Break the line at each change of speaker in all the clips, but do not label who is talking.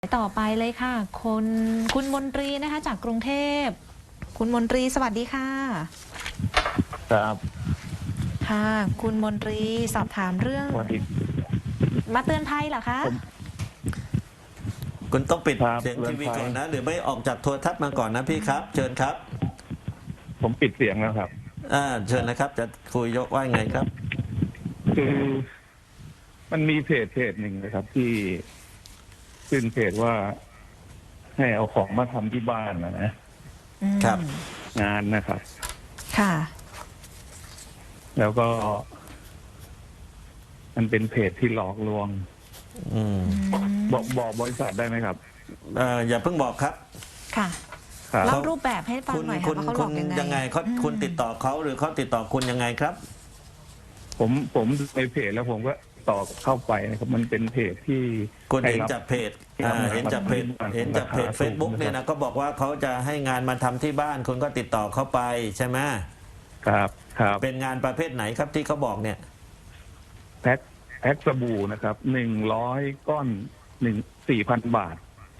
ต่อไปเลยค่ะคุณมนตรีนะคะจากกรุงเทพคุณมนตรีสวัสดีค่ะ
ครับ
ค่ะคุณมนตรีสอบถามเรื่อง
สวัสดี
มาเตือนภัยเหรอคะ
คุณต้องปิด
ครับ
เสียงทีวีก่อนนะห
เตือนภัย
รือไม่ออกจากโทรทัศน์มาก่อนนะพี่ครับเชิญครับ
ผมปิดเสียงแล้วครับ
เชิญนะครับจะคุยยกว่าไงครับ
คือมันมีเพจหนึ่งนะครับที่ขึ้นเพจว่าให้เอาของมาทำที่บ้านนะครับงานนะครับ
ค่ะ
แล้วก็มันเป็นเพจที่หลอกลวงบอกบริษัทได้ไหมครับ
อย่าเพิ่งบอกครับ
ค่ะ
ครับ
เล่ารูปแบบให้ฟังหน่อยค่ะว่าเขาหลอกยังไง
คุณติดต่อเขาหรือเขาติดต่อคุณยังไงครับ
ผมในเพจแล้วผมก็ต่อเข้าไปนะครับ มันเป็นเพจที่
คุณเห็นจากเพจเห็นจากเพจ Facebook เนี่ยนะก็บอกว่าเขาจะให้งานมาทำที่บ้านคุณก็ติดต่อเขาไปใช่ไหม
ครับ
เป็นงานประเภทไหนครับที่เขาบอกเนี่ย
แพ็คสบู่นะครับ100 ก้อน4,000 บาท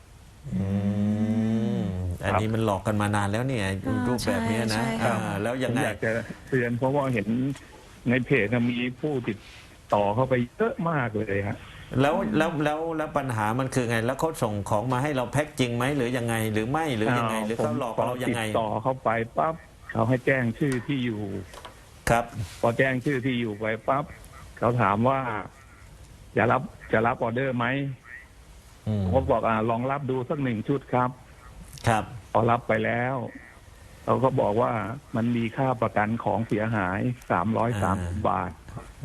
อันนี้มันหลอกกันมานานแล้วเนี่ยรูปแบบนี้นะแล้วยังไง
อยากจะเตือนเพราะว่าเห็นในเพจมีผู้ติดต่อเข้าไปเยอะมากเลยฮะ
แล้วปัญหามันคือไงแล้วเขาส่งของมาให้เราแพ็คจริงไหมหรือยังไงหรือไม่หรือยังไงหรือเขาหลอกเรายังไง
ติดต่อเข้าไปปั๊บเขาให้แจ้งชื่อที่อยู่
ครับ
พอแจ้งชื่อที่อยู่ไปปั๊บเขาถามว่าจะรับออเดอร์ไหมผมบอกลองรับดูสัก1 ชุดครับพอรับไปแล้วเขาก็บอกว่ามันมีค่าประกันของเสียหาย330 บาท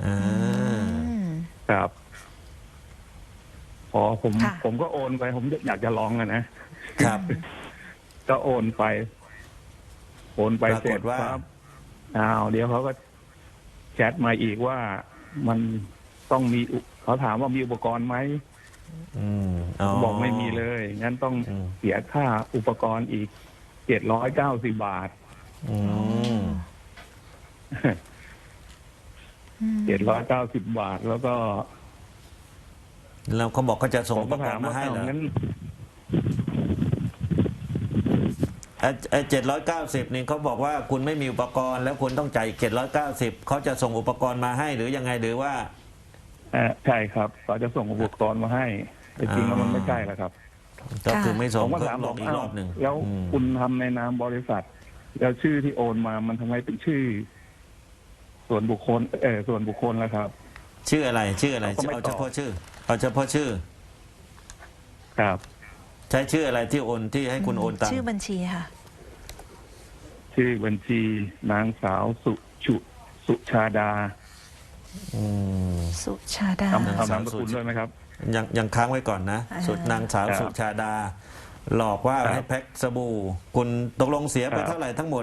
ครับพอผมก็โอนไปผมอยากจะลอง
นะครับ
ก็โอนไปเสร็จครับเดี๋ยวเขาก็แชทมาอีกว่ามันต้องมีเขาถามว่ามีอุปกรณ์ไหมบอกไม่มีเลยงั้นต้องเสียค่าอุปกรณ์อีก790 บาท790 บาทแล้ว
เขาบอกเขาจะส่งอุปกรณ์มาให้เหรอ790นี่เขาบอกว่าคุณไม่มีอุปกรณ์แล้วคุณต้องจ่าย790เขาจะส่งอุปกรณ์มาให้หรือยังไงหรือว่า
ใช่ครับเขาจะส่งอุปกรณ์มาให้แต่จริงแล้วมันไม่ใช่แล้วครับ
ก็คือไม่ส่ง
ผมก็ถาม
อีกรอบหนึ่ง
แล้วคุณทำในนามบริษัทแล้วชื่อที่โอนมามันทำไมเป็นชื่อส่วนบุคคลแล้วครับ
ชื่ออะไรเอาเฉพาะชื่อ
ครับ
ใช้ชื่ออะไรที่โอนที่ให้คุณโอนตังค์
ชื่อบัญชีค่ะ
ชื่อบัญชีนางสาวสุชาดา
สุชาดา
ทำนามสกุลด้วยไหมครับ
ยังค้างไว้ก่อนนะนางสาวสุชาดาหลอกว่าให้แพ็คสบู่คุณตกลงเสียไปเท่าไหร่ทั้งหมด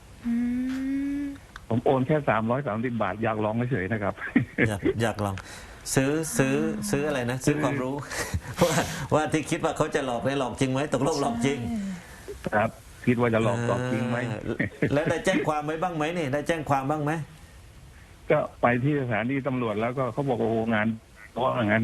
ผมโอนแค่330 บาทอยากลองเฉยๆนะครับ
อยากลองซื้ออะไรนะซื้อความรู้ว่าที่คิดว่าเขาจะหลอกได้หลอกจริงไหมตกลงหลอกจริง
ครับคิดว่าจะหลอกจริงไหม
แล้วได้แจ้งความไว้บ้างไหมนี่ได้แจ้งความบ้างไหม
ก็ไปที่สถานีตำรวจแล้วก็เขาบอกโอ้งานเพราะงั้น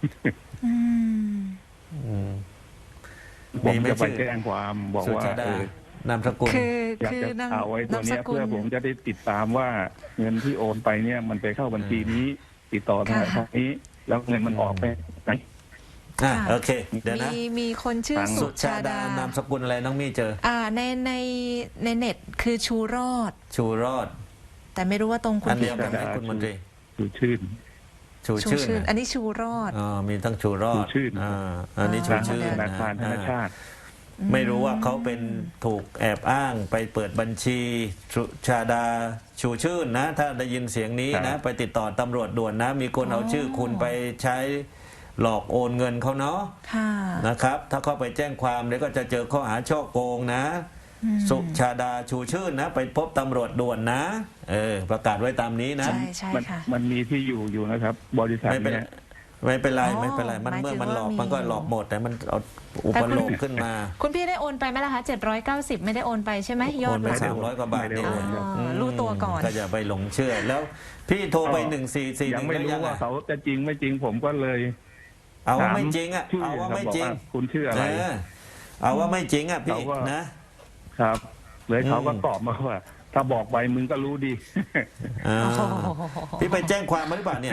ผมจะไปแจ้งความบอกว่
านามสกุล
อยากจะเอาไว้ตัวนี้เพื่อผมจะได้ติดตามว่าเงินที่โอนไปเนี่ยมันไปเข้าบัญชีนี้ติดต่อทางนี้แล้วเงินมันออกไปไหน
โอเคเดี๋ยวนะ
มีคนชื่อสุชาด
านามสกุลอะไรน้องมี่เจอ
ในเน็ตคือชูรอดแต่ไม่รู้ว่าตรงคุณ
เดียวกันไหมคุณมนตรี
ชูชื่น
อันนี้ชูรอด
มีทั้งชูรอดอันนี้ชูชื่น
ธนาคารธนชาติ
ไม่รู้ว่าเขาเป็นถูกแอบอ้างไปเปิดบัญชีสุชาดาชูชื่นนะถ้าได้ยินเสียงนี้นะไปติดต่อตำรวจด่วนนะมีคนเอาชื่อคุณไปใช้หลอกโอนเงินเขาเนาะนะครับถ้าเขาไปแจ้งความเดี๋ยวก็จะเจอข้อหาช่อโกงนะสุชาดาชูชื่นนะไปพบตำรวจด่วนนะประกาศไว้ตามนี้นะ
ใช่ค่ะ
มันมีที่อยู่นะครับบริษัทเนี่ย
ไม่เป็นไรมันเมื่อมันหลอกมันก็หลอกหมดแต่มันเอาอุปโลกขึ้นมา
คุณพี่ได้โอนไปไหมล่ะคะ790ไม่ได้โอนไปใช่ไหมยอด
ไป300 กว่าบาทได้โอน
รู้ตัวก่อน
ก็อย่าไปหลงเชื่อแล้วพี่โทรไป1441
ยังไม่รู้ว่าเขาจะจริงไม่จริงผมก็เลย
เอาว่า
ถาม
ไม่จริงอ่ะ
ชื่อ
เอาว่า
ครับ
ไม่จริง
บอกว่าคุณชื่ออะไร
เอาว่าไม่จริงอ่ะพี่
เขาก็
นะครับ
เลยเขาก็
อืม
ตอบมาว่า ถ้าบอกไปมึงก็รู้ดี
อ่า
โอ้โห
พี่ไปแจ้งความมาหรือเปล่าเนี่ย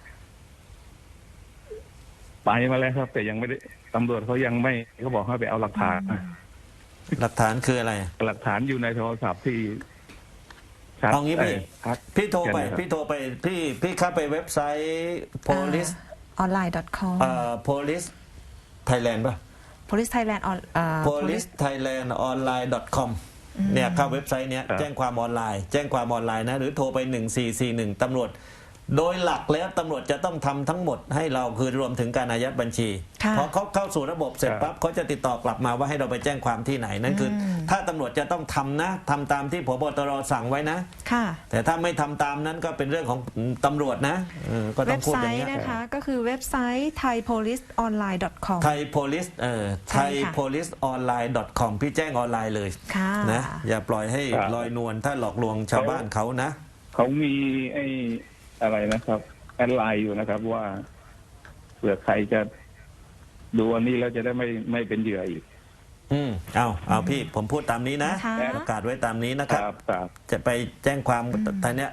ไปมาแล้วครับ แต่ยังไม่ได้ตำรวจเขายังไม่เขาบอกให้ไปเอาหลักฐานมา
หลักฐานคืออะไร
หลักฐานอยู่ในโทรศัพท์ที่ชัด
เอางี้พี่
ทัก
พี่โทรไป
เขียนเลยครับ
พี่โทรไปพี่เข้าไปเว็บไซต์ police
online.com
police Thailand ป่ะ
police Thailand
police Thailand online com เนี่ยเข้าเว็บไซต์เนี้ย
ครับ
แจ้งความออนไลน์ แจ้งความออนไลน์นะหรือโทรไป 1441ตำรวจ โดยหลักแล้วตำรวจจะต้องทำทั้งหมดให้เราคือรวมถึงการอายัดบัญชี
ค่ะ
พอเขาเข้าสู่ระบบเสร็จปั๊บเขาจะติดต่อกลับมาว่าให้เราไปแจ้งความที่ไหนนั่นคืออถ้าตำรวจจะต้องทำนะทำตามที่ผบตรสั่งไว้นะ
ค่ะ
แต่ถ้าไม่ทำตามนั้นก็เป็นเรื่องของตำรวจนะก็ต้
เว็
อง
บ
พูด
ไซ
อย่าง
ต์
เงี้ย
นะคะก็คือเว็บไซต์ thaipoliceonline.com
ไทยโพลิส
ใช่
ไทย
ค่ะ
โพลิสออนไลน์ .com พี่แจ้งออนไลน์เลย
ค่ะ
นะอย่าปล่อยให้
ครับ
ลอยนวลถ้าหลอกลวงชาวบ้านเขานะ
เขามีไอ้อะไรนะครับ แอดไลน์อยู่นะครับ ว่าเผื่อใครจะดูอันนี้แล้วจะได้ไม่เป็นเหยื่ออีก
เอาพี่ผมพูดตามนี้นะ
ค่ะ
ประกาศไว้ตามนี้นะค
ครับ รับครับ
จะไปแจ้งความทางเนี้ย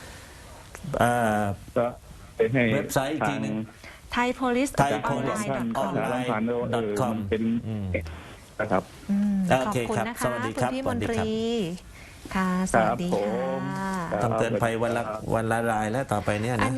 ก็ไปให้
เว็บไซต์อีกทีหนึ่ง
thaipolice
ไทย
ทาง
police
online.com
ประชาสัมพันธ์ว่า
online.com
มันเป็นนะครับ
ข
โอ
อบ
เค
คุณ
ครับ
นะคะ
สวัสดีครับ
ณพี่
ส
ม
วัส
น
ดี
ต
ครับ
รีค่ะ สวัสดี
ครับผม
ค่ะ
ครับ
ต้องเตือนภัยวันละรายแล้วต่อไปเนี่ยนะ